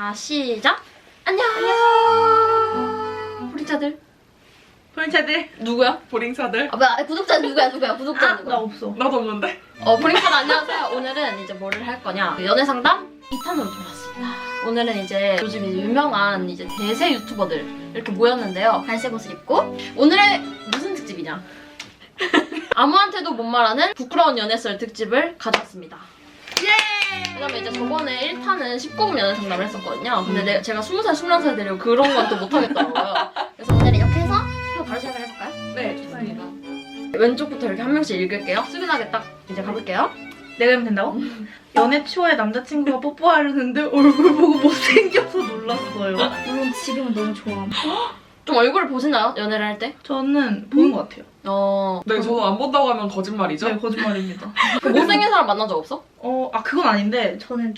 자, 시작! 안녕! 보링차들. 보링차들. 누구야? 보링차들. 아, 뭐야? 구독자 누구야? 구독자 누구야? 나 없어. 나도 없는데? 보링차들 안녕하세요. 오늘은 이제 뭐를 할 거냐? 연애상담 2탄으로 돌아왔습니다. 오늘은 이제 요즘 이제 유명한 이제 대세 유튜버들 이렇게 모였는데요. 갈색 옷을 입고 오늘의 무슨 특집이냐? 아무한테도 못 말하는 부끄러운 연애썰 특집을 가져왔습니다. 예! 왜냐면 이제 저번에 1탄은 19금 연애 상담을 했었거든요. 근데 제가 20살, 21살 되려고 그런 건 또 못하겠더라고요. 그래서 오늘 이렇게 해서 바로 시작을 해볼까요? 네, 좋습니다. 왼쪽부터 이렇게 한 명씩 읽을게요. 수근하게 딱 이제 가볼게요. 내가 하면 된다고? 연애 초에 남자친구가 뽀뽀하려는데 얼굴 보고 못생겨서 놀랐어요. 물론 지금은 너무 좋아. 좀 얼굴을 보시나요? 연애를 할 때? 저는 보는 것 같아요. 네, 저도 안 본다고 하면 거짓말이죠? 네, 거짓말입니다. 그 못생긴 사람 만난 적 없어? 그건 아닌데 저는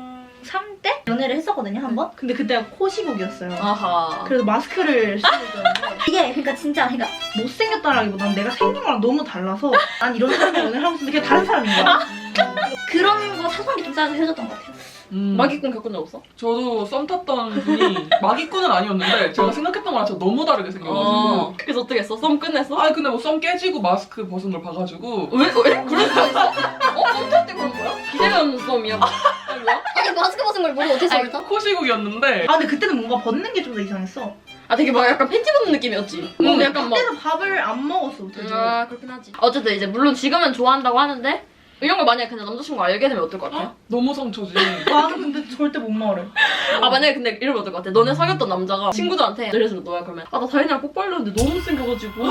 중3 때 연애를 했었거든요, 한 번. 근데 그때가 코시국이었어요. 아하. 그래서 마스크를 쓰고 있었는데 이게 그러니까 진짜 그러니까 못생겼다라기보다는 내가 생긴 거랑 너무 달라서 난 이런 사람이랑 연애를 하고 있는데 그냥 다른 사람인 거야. 그런 거 사소한 게 좀 쌓여서 헤어졌던 것 같아요. 마기꾼 겪은 적 없어? 저도 썸 탔던 분이 마기꾼은 아니었는데 제가 생각했던 거랑 진짜 너무 다르게 생겨가지고 그래서 어떻게 했어? 썸 끝냈어? 아니 근데 뭐 썸 깨지고 마스크 벗은 걸 봐가지고 왜? 그럴 수가 있어? 썸 탈 때 그런 거야? 기대가 없는 썸이야. 아니 뭐야? 아니 마스크 벗은 걸 모르고 어떻게 아니, 썸을 타? 코시국이었는데 근데 그때는 뭔가 벗는 게 좀 더 이상했어. 되게 막 약간 팬티 벗는 느낌이었지? 약간 막 그때는 밥을 안 먹었어. 되게. 그렇긴 하지. 어쨌든 이제 물론 지금은 좋아한다고 하는데 이런 걸 만약에 그냥 남자친구가 알게 되면 어떨 것 같아요? 너무 상처지. 나는 근데 절대 못 말해. 만약에 근데 이러면 어떨 것 같아? 너네 사귀었던 남자가 친구들한테 예를 들어서 너야 그러면 나 다현이랑 뽀뽀하려는데 너무 못생겨가지고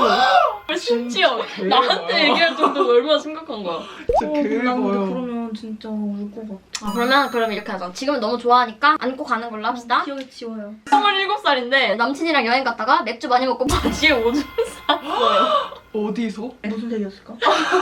심지어 나한테 얘기할 정도로 얼마나 심각한 거야. 진짜 난 근데 개봐요. 그러면 진짜 울 것 같아. 그럼 이렇게 하자. 지금은 너무 좋아하니까 안고 가는 걸로 합시다. 기억이 지워요. 27살인데 남친이랑 여행 갔다가 맥주 많이 먹고 바지에 오줌 쌌어요. 어디서? 무슨 색이었을까?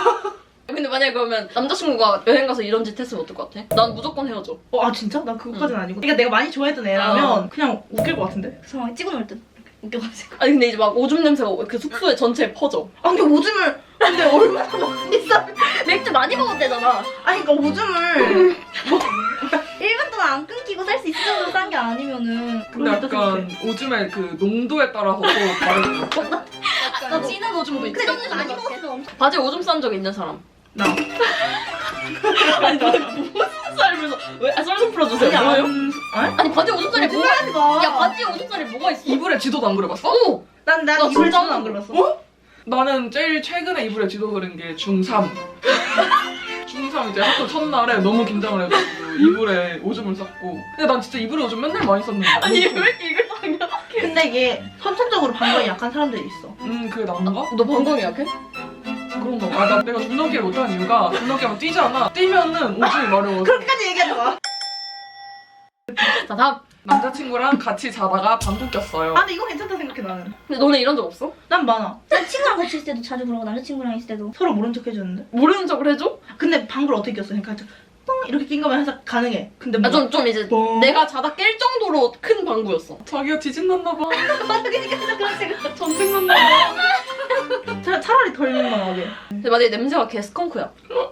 근데 만약에 그러면 남자친구가 여행 가서 이런 짓 했으면 어떨 것 같아? 난 무조건 헤어져. 진짜? 나 그것까지는 아니고. 그러니까 내가 많이 좋아했던 애라면 그냥 웃길 것 같은데? 그 상황에 찍어놓을 듯. 웃겨가지고. 아니 근데 이제 막 오줌 냄새가 그 숙소에 전체에 퍼져. 근데 오줌을 근데 얼마나 많이 싸? 맥주 많이 먹었대잖아. 그러니까 오줌을 1분 동안 안 끊기고 살 수 있을 정도로 싼 게 아니면은. 근데 약간 오줌의 그 농도에 따라서 또 다르고 약간 진한 오줌도 있지. 그 정도 많이 먹었으면 엄청. 바지에 오줌 싼 적 있는 사람. 나. 아니 나는 무슨 썰면서 왜? 썰 좀 풀어주세요. 뭐예요? 아니 바지에 오줌살이 뭐가 하지 마. 야 바지에 오줌살이 뭐가 있어? 이불에 지도도 안 그려봤어? 오! 난 나 이불 진짜 지도 안 글렀어. 나는 제일 최근에 이불에 지도 그린 게 중3. 중3 이제 학교 첫날에 너무 긴장을 해가지고 이불에 오줌을 쌌고. 근데 난 진짜 이불에 오줌 맨날 많이 쌌는데. 아니 왜 이렇게 이걸 당겨? 근데 이게 선천적으로 방광이 약한 사람들이 있어. 그게 난가? 너 방광이 약해? 그런가 봐. 내가 줄넘기를 못하는 이유가 줄넘기 하면 뛰잖아. 뛰면은 오줌이 마려워서. 그렇게까지 얘기하지 마. 자 다음. 남자친구랑 같이 자다가 방구 꼈어요. 근데 이거 괜찮다 생각해 나는. 근데 너네 이런 적 없어? 난 많아. 난 친구랑 같이 있을 때도 자주 그러고 남자친구랑 있을 때도. 서로 모른 척 해주는데. 모르는 척을 해줘? 근데 방구를 어떻게 꼈어? 그러니까 뻥 이렇게 낀 거면 항상 가능해. 근데 뭔가 좀 이제 뻥. 내가 자다 깰 정도로 큰 방구였어. 자기가 지진났나 봐. 그런 식으로. 전생 났나 봐. 차라리 덜 민망하게. 근데 만약에 냄새가 개 스컹크야.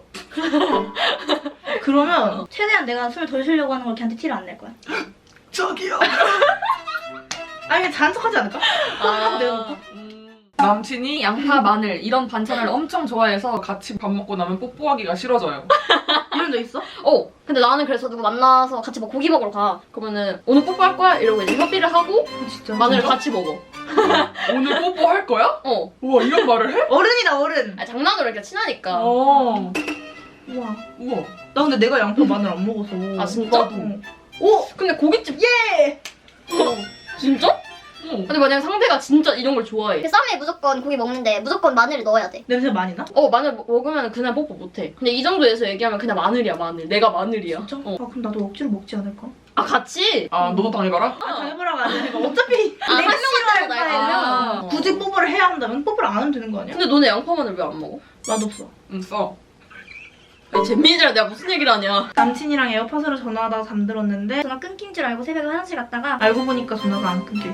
그러면 최대한 내가 숨을 덜 쉬려고 하는 걸 걔한테 티를 안 낼 거야. 저기요. 그냥 자는 척하지 않을까? 폰하고 내려놓고. 남친이 양파, 마늘 이런 반찬을 엄청 좋아해서 같이 밥 먹고 나면 뽀뽀하기가 싫어져요. 이런 적 있어? 근데 나는 그래서 누구 만나서 같이 막 고기 먹으러 가. 그러면은 오늘 뽀뽀할 거야? 이러고 이제 협의를 하고 진짜. 마늘을 진짜? 같이 먹어. 오늘 뽀뽀할 거야? 어. 우와 이런 말을 해? 어른이다 어른. 장난으로 이렇게 친하니까. 어. 우와. 우와. 나 근데 내가 양파 마늘 안 먹어서. 진짜? 나도. 근데 고깃집 예. 진짜? 근데 만약에 상대가 진짜 이런 걸 좋아해. 그 쌈에 무조건 고기 먹는데 무조건 마늘을 넣어야 돼. 냄새 많이 나? 마늘 먹으면 그냥 뽀뽀 못해. 근데 이 정도에서 얘기하면 그냥 마늘이야 마늘. 내가 마늘이야. 진짜? 어. 그럼 나도 억지로 먹지 않을까? 같이? 너도 당해봐라? 당해보라고 하니까 어차피 한 내가 명만 싫어할 따로 바에는 날까? 굳이 뽀뽀를 해야 한다면 뽀뽀를 안 하면 되는 거 아니야? 근데 너네 양파 마늘 왜 안 먹어? 맛없어. 응 써. 아니 잼민이랑 내가 무슨 얘기를 하냐. 남친이랑 에어팟으로 전화하다가 잠들었는데 전화 끊긴 줄 알고 새벽에 화장실 갔다가 알고 보니까 전화가 안 끊겨 있었어.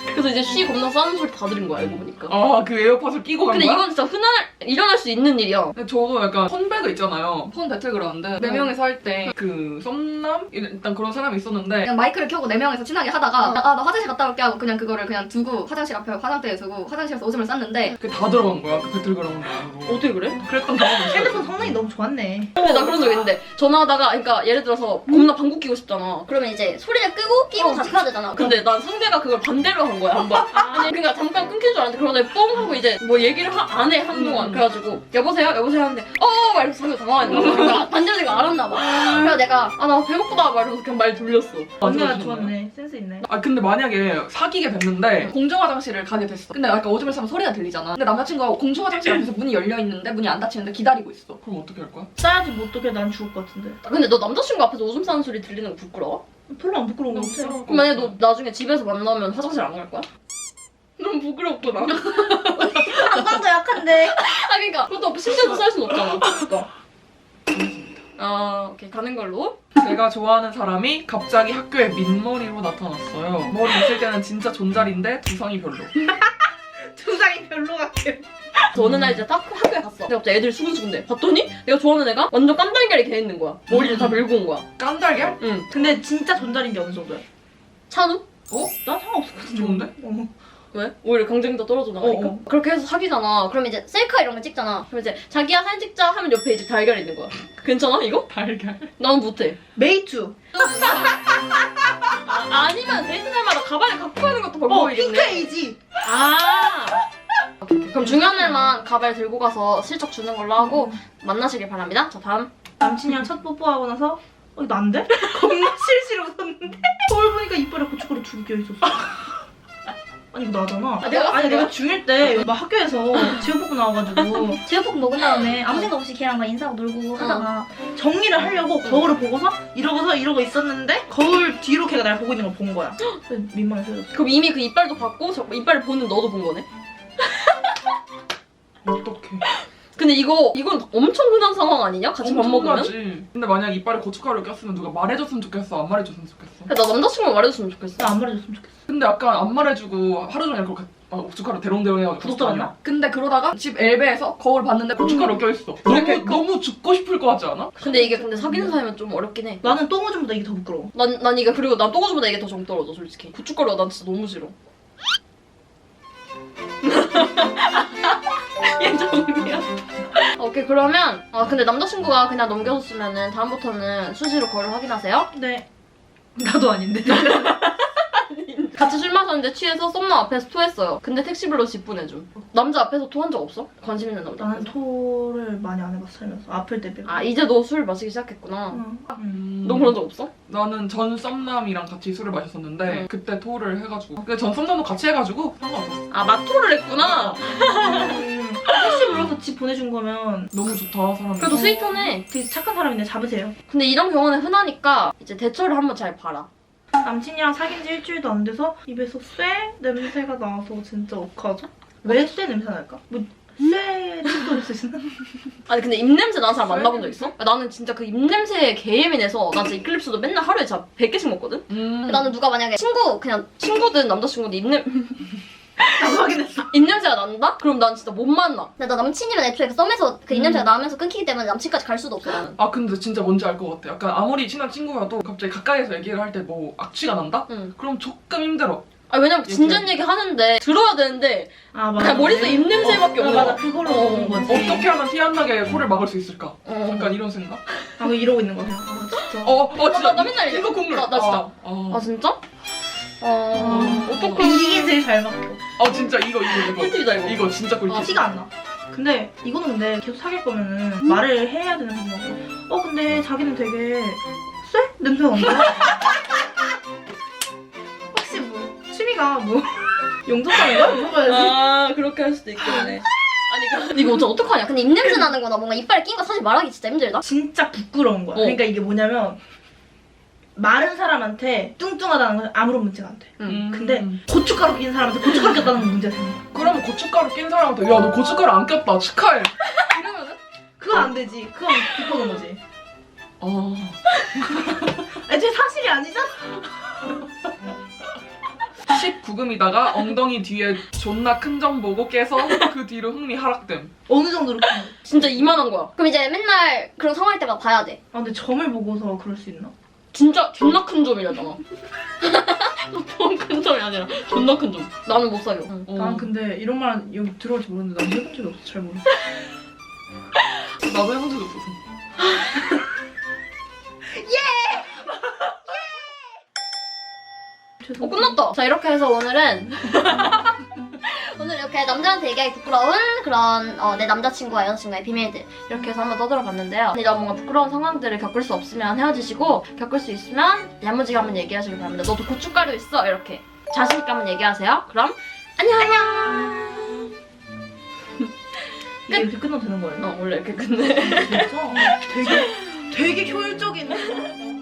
그래서 이제 쉬 겁나 싸는 소리 다 들은 거야 알고 보니까. 아, 그 에어팟을 끼고 간 근데 거야? 이건 진짜 일어날 수 있는 일이야. 근데 저도 약간 펀배그 있잖아요. 펀 배틀그라운드. 4명이서 할 때 그 썸남? 일단 그런 사람이 있었는데 그냥 마이크를 켜고 4명이서 친하게 하다가 나 화장실 갔다 올게 하고 그냥 그거를 그냥 두고 화장실 앞에 화장대에 두고 화장실에서 오줌을 쌌는데 그게 다 들어간 거야. 그 배틀그라운드로. 어떻게 그래? 그랬던 경험이 있어요. 핸드폰 성능이 너무 좋았네. 근데 나 그런 적 있는데 전화하다가 그러니까 예를 들어서 겁나 방구 끼고 싶잖아. 그러면 이제 소리를 끄고 끼고 다시 해야 되잖아. 근데 난 상대가 그걸 반대로 한 거야 한번. 아니 그러니까 잠깐 끊긴 줄 알았는데 그러다 뻥 하고 이제 뭐 얘기를 안 해 한동안. 그래가지고 여보세요 하는데 막 이러면서 상대 당황했나 봐. 그러니까 반대로 내가 알았나 봐. 그래서 내가 나 배고프다 막 이러면서 그냥 말 돌렸어. 언니가 맞아요. 좋았네. 센스 있네. 아 근데 만약에 사귀게 됐는데 공중 화장실을 가게 됐어. 근데 약간 오줌을 싸면 소리가 들리잖아. 근데 남자친구가 공중 화장실 앞에서 문이 열려 있는데 문이 안 닫히는데 기다리고 있어. 그럼 어떻게 할 거야? 싸야지 뭐 어떡해. 난 죽을 것 같은데. 근데 너 남자친구 앞에서 오줌 싸는 소리 들리는 거 부끄러워? 별로 안 부끄러운 것 같아. 그럼 만약에 너 나중에 집에서 만나면 화장실 안 갈 거야? 너무 부끄럽구나. 방광도 약한데. 아 그러니까 그것도 심지어도 쌀 순 없잖아. 그러니까. 아 오케이 가는 걸로. 제가 좋아하는 사람이 갑자기 학교에 민머리로 나타났어요. 머리 있을 때는 진짜 존잘인데 두상이 별로. 두상이 별로 같아. 그래서 어느 날 이제 딱 학교에 갔어. 근데 갑자기 애들이 수근수근대. 봤더니 내가 좋아하는 애가 완전 깐달걀이 개 있는 거야. 머리를 다 밀고 온 거야. 깐달걀? 응. 근데 진짜 존잘인 게 어느 정도야? 찬우? 난 상관없었거든. 좋은데? 왜? 오히려 경쟁도 떨어져 나가니까. 그렇게 해서 사귀잖아. 그럼 이제 셀카 이런 거 찍잖아. 그럼 이제 자기야 사진 찍자 하면 옆에 이제 달걀이 있는 거야. 괜찮아 이거? 달걀. 나는 못해. 메이투. 아니면 데이트 날마다 가발을 갖고 가는 것도 방법이겠네. 핑크에이지. 아. 오케이. 그럼 중요한 날만 가발 들고 가서 슬쩍 주는 걸로 하고 만나시길 바랍니다. 자 다음. 남친이랑 첫 뽀뽀하고 나서 이거 안 돼? 겁나 실실 웃었는데 거울 보니까 이빨에 고춧가루 2개 껴있었어. 아니 이거 나잖아. 내가 중1 때 막 학교에서 지역볶음 나와가지고 제육볶음 먹은 다음에 아무 생각 없이 걔랑 막 인사하고 놀고 하다가 정리를 하려고 거울을 보고서 이러고 있었는데 거울 뒤로 걔가 날 보고 있는 걸 본 거야. 그래서 민망해서 헤어졌어. 그럼 이미 그 이빨도 봤고 이빨을 보는 너도 본 거네? 어떡해. 근데 이건 엄청 흔한 상황 아니냐? 같이 밥 먹으면? 엄청나지. 근데 만약 이빨에 고춧가루를 꼈으면 누가 말해줬으면 좋겠어? 안 말해줬으면 좋겠어? 나 남자친구가 말해줬으면 좋겠어. 나 안 말해줬으면 좋겠어. 근데 약간 안 말해주고 하루 종일 그렇게 고춧가루 대롱대롱 해가지고 구독자 맞나? 근데 그러다가 집 엘베에서 거울 봤는데 고춧가루 껴있어. 너무 죽고 싶을 것 같지 않아? 근데 이게 사귀는 사이면 좀 어렵긴 해. 나는 똥오줌보다 이게 더 부끄러워. 난 이게 그리고 난 똥오줌보다 이게 더 정 떨어져 솔직히. 고춧가루가 난 진짜 너무 싫어. 예정이야. 오케이 그러면 근데 남자친구가 그냥 넘겨줬으면은 다음부터는 수시로 거를 확인하세요. 네. 나도 아닌데. 같이 술 마셨는데 취해서 썸남 앞에서 토했어요. 근데 택시 불러 집 보내줌. 남자 앞에서 토한 적 없어? 관심 있는 남자 나는 앞에서. 토를 많이 안 해봤어 살면서. 아플 때 빼고. 아 이제 너 술 마시기 시작했구나. 응. 너 그런 적 없어? 나는 전 썸남이랑 같이 술을 마셨었는데 응. 그때 토를 해가지고 근데 전 썸남도 같이 해가지고 상관없었어. 아 마토를 했구나. 택시 불러서 집 보내준 거면 너무 좋다 사람이. 그래도 스윗하네. 되게 착한 사람인데 잡으세요. 근데 이런 경우는 흔하니까 이제 대처를 한번 잘 봐라. 남친이랑 사귄 지 일주일도 안 돼서 입에서 쇠 냄새가 나서 진짜 어떡하죠? 왜 쇠 냄새 날까? 뭐 쇠 침도 있으시나? 아니 근데 입냄새 나는 사람 만나본 적 있어? 나는 진짜 그 입냄새에 개예민해서 나 진짜 이클립스도 맨날 하루에 진짜 100개씩 먹거든? 나는 누가 만약에 친구든 남자친구든 나도 확인했어. 입냄새가 난다? 그럼 난 진짜 못 만나. 근데 나 남친이면 애초에 그 썸에서 그 입냄새가 나면서 끊기기 때문에 남친까지 갈 수도 없어 나는. 아 근데 진짜 뭔지 알 것 같아. 약간 아무리 친한 친구여도 갑자기 가까이서 얘기를 할 때 뭐 악취가 난다? 응. 그럼 조금 힘들어. 아 왜냐면 진전 얘기 하는데 들어야 되는데 아 맞아. 그냥 머릿속에 입냄새밖에 없어. 맞아 그걸로 먹는 거지. 어떻게 하면 티 안 나게 코를 막을 수 있을까? 어. 약간 이런 생각? 아 그 이러고 있는 거야. 아 진짜. 진짜 나 맨날 이거 국물. 나 진짜. 아, 아 진짜? 어떡해. 이게 제일 잘 막혀. 진짜 이거 꿀팁이다 이거. 이거 진짜 꿀팁. 티가 안 나. 근데 이거는 근데 계속 사귈 거면은 말을 해야 되는 거고. 근데 자기는 되게 쇠? 냄새가 난다. 혹시 뭐 취미가 뭐 용접하는가? 물어봐야지. 아 그렇게 할 수도 있겠네. 아니 근데 이거 어떡하냐? 근데 입냄새 나는 거나 뭔가 이빨에 낀 거 사실 말하기 진짜 힘들다. 진짜 부끄러운 거야. 그러니까 이게 뭐냐면 마른 사람한테 뚱뚱하다는 건 아무런 문제가 안 돼. 근데 고춧가루 낀 사람한테 고춧가루 꼈다는 건 문제가 생겨. 그러면 고춧가루 낀 사람한테 야 너 고춧가루 안 꼈다 축하해. 이러면은? 그건 안 되지. 그건 비꼬는 거지. 애초에 사실이 아니잖아. 19금이다가 엉덩이 뒤에 존나 큰 점 보고 깨서 그 뒤로 흥미 하락됨. 어느 정도로 큰 거? 진짜 이만한 거야. 그럼 이제 맨날 그런 상황일 때마다 봐야 돼. 아 근데 점을 보고서 그럴 수 있나? 진짜 존나 큰 점이라잖아. 보통 큰 점이 아니라 존나 큰 점. 나는 못 사겨. 응. 난 근데 이런 말 여기 들어올지 모르는데 난 해본 적이 없어. 잘 모르. 나도 해본 적이 없어서. 끝났다. 자, 이렇게 해서 오늘은 오늘 이렇게 남자한테 얘기하기 부끄러운 그런 내 남자친구와 여자친구의 비밀들 이렇게 해서 한번 떠들어봤는데요. 내가 뭔가 부끄러운 상황들을 겪을 수 없으면 헤어지시고 겪을 수 있으면 야무지게 한번 얘기하시길 바랍니다. 너도 고춧가루 있어 이렇게 자신있게 한번 얘기하세요. 그럼 안녕. 이게 이렇게 끝나도 되는 거예요? 원래 이렇게 끝내. 진짜 되게 효율적인.